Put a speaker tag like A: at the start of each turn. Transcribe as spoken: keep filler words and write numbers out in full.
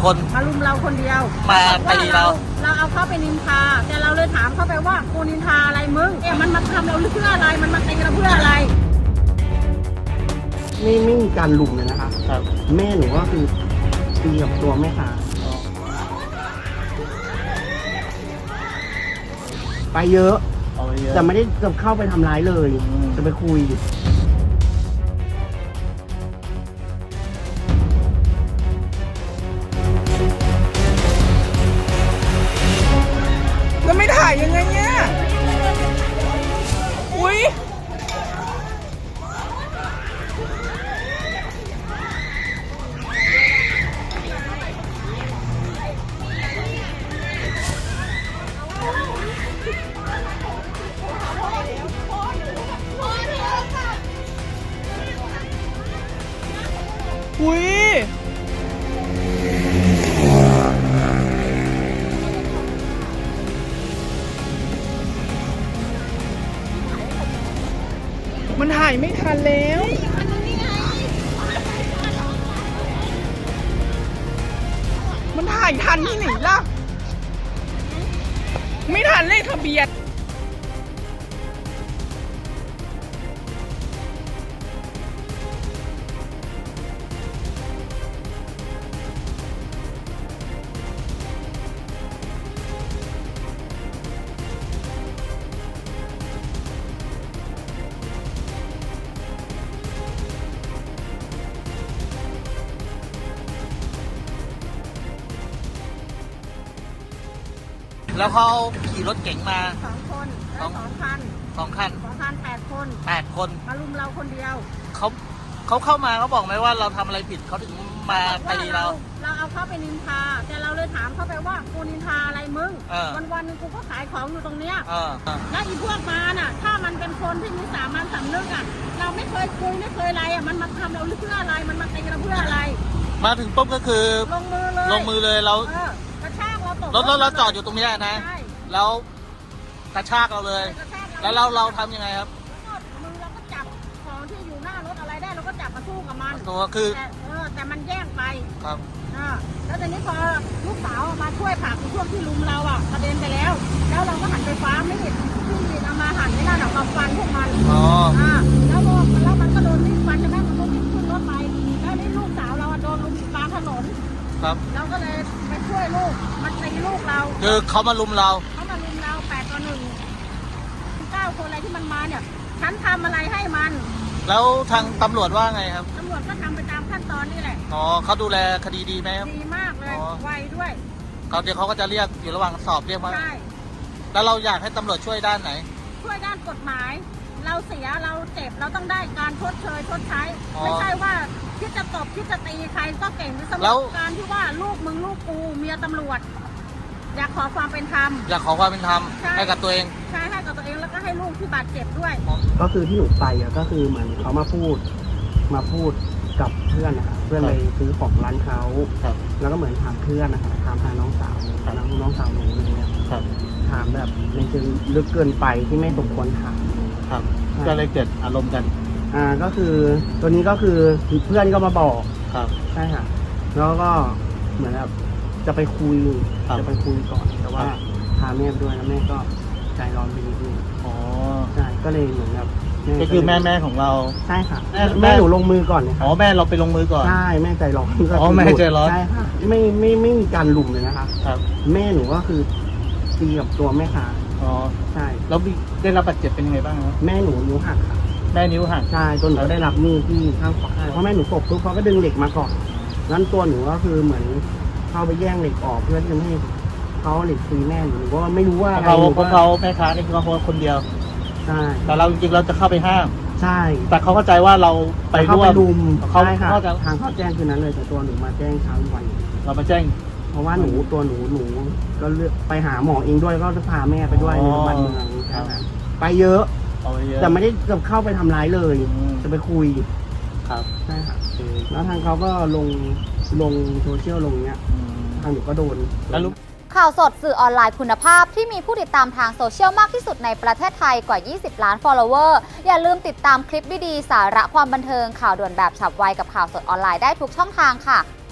A: คน
B: มารุมเราคนเดียว
A: มาตีเรา
B: เราเอาเขาไปนินทาแต่เราเลยถามเขาไปว่ากูนินทาอะไรมึงเนี่ยมันมาทำเราเพื่ออะไรมันมาตีเราเพื่ออะไร
C: ไม่ไม่มีการลุมเลยนะคะ
A: ครับ
C: แม่หนูก็คือตีกับตัวแม่ค้าไปเยอะแต่ไม่ได้จะเข้าไปทำร้ายเลยจะไปคุย
D: แล้วไม่ถ่ายยังไงเนี่ยอุ้ยอุ้ยมันถ่ายไม่ทันแล้ว มันถ่ายทันที่ไหนล่ะ ไม่ทันเลขทะเบียน
A: แล้วเขาขี่รถเก๋งมา
B: สองคนสองคัน
A: สองคัน
B: สองคันแปดคน
A: แปดคน
B: มารุมเราคนเดียว
A: เขาเขาเข้ามาเขาบอกไหมว่าเราทำอะไรผิดเขาถึงมาตีเรา
B: เราเอาเขาไปนินทาแต่เราเลยถามเขาไปว่ากูนินทาอะไรมึงวันวันนึงกูก็ขายของอยู่ตรงเนี้ยแล้วอีพวกมาน่ะถ้ามันเป็นคนที่มีสามัญสำนึกอ่ะเราไม่เคยคุยไม่เคยอะไรอ่ะมันมาทำเราเพื่ออะไรมันมาตีเราเพื่ออะไร
A: มาถึงปุ๊บก็คือ
B: ลงมือเลย
A: ลงมือเลยเรา
B: กระชากเราตก
A: รถรถเราจอดอยู่ตรงนี้นะแล้วกระชากเราเลย แล้วเราเราทำยังไงครับ
B: มือเราก็จับของที่อยู่หน้ารถอะไรได้เราก็จับมาสู้กับมัน
A: ตัวคือ
B: แต่เออแต่มันแย่งไป
A: ครับ
B: อ่าแล้วทีนี้พอลูกสาวมาช่วยผลักช่วงที่ลุมเราอ่ะกระเด็นไปแล้วแล้วเราก็หันไปฟ้าไม่เห็นที่เอามาหันไม่น่าหนักมาฟันพวกมัน
A: อ๋อ
B: อ่าแล้วแล้วมันก็โดนวิ่งฟันใช่ไหมมันก็วิ่งขึ้นรถไปแล้วนี่ลูกสาวเราโดนลุมกลางถนน
A: ครับ
B: เราก็เลยไปช่วยลูกมันตีลูกเรา
A: คือเขามาลุมเรา
B: เขามาลุมเราแปดต่อหนึ่งเก้าคนอะไรที่มันมาเนี่ยฉันทำอะไรให้มัน
A: แล้วทางตำรวจว่าไงครับ
B: ตำรวจก็ทำไปตามขั้นตอนนี่แหละ
A: อ๋อเขาดูแลคดีดีไหมครับ
B: ดีมากเลยไวด้วย
A: เขาเดี๋ยวเขาก็จะเรียกอยู่ระหว่างสอบเรียกมา
B: ใช่
A: แล้วเราอยากให้ตำรวจช่วยด้านไหน
B: ช่วยด้านกฎหมายเราเสียเราเจ็บเราต้องได้การชดเชยชดใช้ไม่ใช่ว่าคิดจะตบคิดจะตีใครก็เก่งในสมการที่ว่าลูกมึงลูกกูเมียตำรวจอยากขอความเป็นธรรม
A: อยากขอความเป็นธรรมให้กับตัวเอง
B: ใช่ให้กับตัวเองแล้วก็ให้ลูกที่บาดเจ็บด้วย
C: ก็คือที่หนูไปอ่ะก็คือเหมือนเขามาพูดมาพูดกับเพื่อนนะคะเพื่อนไปซื้อของร้านเขาแล้วก็เหมือนถามเพื่อนนะคะถามทางน้องสาวน้องน้องสาวหนูเนี่ยถามแบบในเชิงลึกเกินไปที่ไม่สมควรถาม
A: ครับก็เลยเกิดอารมณ์กัน
C: อ่าก็คือตัวนี้ก็คือเพื่อนก็มาบอก
A: ครับ
C: ใช่ค่ะแล้วก็เหมือนแบบจะไปคุยจะไปคุยก่อนแต่ว่าพาแม่ด้วยแล้วแม่ก็ใจร้อนไปนิดนึง
A: อ๋อ
C: ใช่ก็เลยเหมือนแบบ
A: ก็คือแม่แม่ของเรา
C: ใช่ค่ะแม่หนูลงมือก่อน
A: อ๋อแม่เราไปลงมือก่อน
C: ใช่แม่ใจร้อน
A: อ๋อแม่ใจร้อน
C: ใช่ค่ะไม่ไม่ไม่มีการลุมเลยนะคะ
A: ครับ
C: แม่หนูก็คือตีกับตัวแม่ค้า
A: อ๋อ
C: ใช่
A: แล้วได้รับบาดเจ็บเป็นยังไงบ้างครับ
C: แม่หนูนิ้วหักค่ะ
A: แม่นิ้วหัก
C: ใช่ตัวหนูได้รับมีดที่ข้างขวาเพราะแม่หนูตกปุ๊บเขาก็ดึงเหล็กมาก่อนงั้นตัวหนูก็คือเหมือนเข้าไปแย่งเหล็กออกเพื่อที่จะไม่ให้เขาเหล็กตีแม่หนูก็ไม่รู้ว่าอะไร
A: เขาเขาแม่ค้านี่คือเขาคนเดียว
C: ใช่
A: แต่เราจริงๆเราจะเข้าไปห้าม
C: ใช่
A: แต่เขาเข้าใจว่าเราไปร่วม
C: รุม
A: เขา
C: เขาจะทางเขาแจ้งคืนนั้นเลยแต่ตัวหนูมาแจ้งเช้าวัน
A: เรามาแจ้ง
C: เพราะว่าหนูตัวหนูหนูก็เลือกไปหาหมอเองด้วยก็จะพาแม่ไปด้วยในโรงพยาบาลเมืองไปเยอะแต่ไม่ได้จะเข้าไปทำร้ายเลยจะไปคุย
A: ครับ
C: ใช่ค่ะแล้วทางเขาก็ลงลงโซเชียลลงเนี้ยทางหนูก็โดน
A: แล้ว
E: ข่าวสดสื่อออนไลน์คุณภาพที่มีผู้ติดตามทางโซเชียลมากที่สุดในประเทศไทยกว่ายี่สิบล้าน follower อย่าลืมติดตามคลิปดีๆสาระความบันเทิงข่าวด่วนแบบฉับไวกับข่าวสดออนไลน์ได้ทุกช่องทางค่ะ